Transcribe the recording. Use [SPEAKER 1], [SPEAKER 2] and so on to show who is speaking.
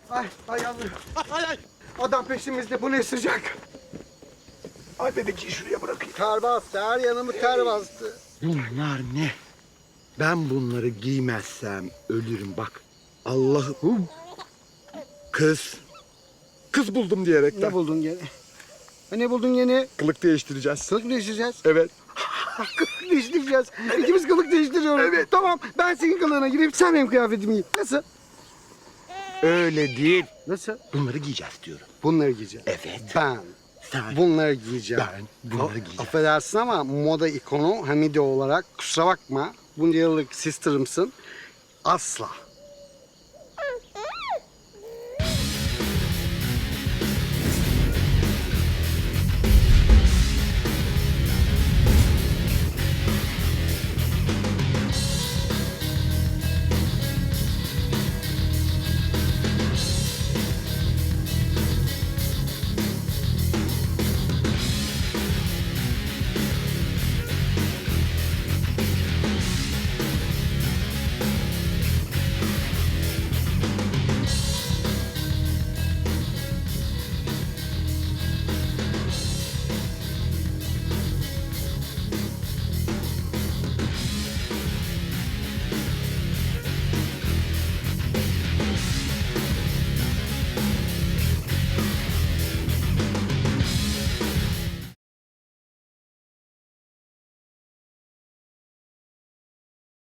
[SPEAKER 1] Ay yavrum. Adam peşimizde, bu ne sıcak.
[SPEAKER 2] Ay bebeciği şuraya bırakayım.
[SPEAKER 1] Ter bastı, her yanımı ter bastı.
[SPEAKER 2] Bunlar ne? Ben bunları giymezsem ölürüm bak. Allah'ım. Kız. Kız buldum diyerekten.
[SPEAKER 1] Ne buldun gene? Ne buldun yine?
[SPEAKER 2] Kılık değiştireceğiz.
[SPEAKER 1] Kılık değiştireceğiz.
[SPEAKER 2] Evet.
[SPEAKER 1] Kılık değiştireceğiz. İkimiz kılık değiştiriyoruz.
[SPEAKER 2] Evet.
[SPEAKER 1] Tamam, ben senin kılığına gireyim, sen benim kıyafetimi giy. Nasıl?
[SPEAKER 2] Öyle değil.
[SPEAKER 1] Nasıl?
[SPEAKER 2] Bunları giyeceğiz diyorum.
[SPEAKER 1] Bunları giyeceğim.
[SPEAKER 2] Evet.
[SPEAKER 1] Ben
[SPEAKER 2] Sen.
[SPEAKER 1] bunları giyeceğim.
[SPEAKER 2] Ben bunları giyeceğim.
[SPEAKER 1] Affedersin ama moda ikonu Hamide olarak kusura bakma. Bunca yıllık sister'ımsın. Asla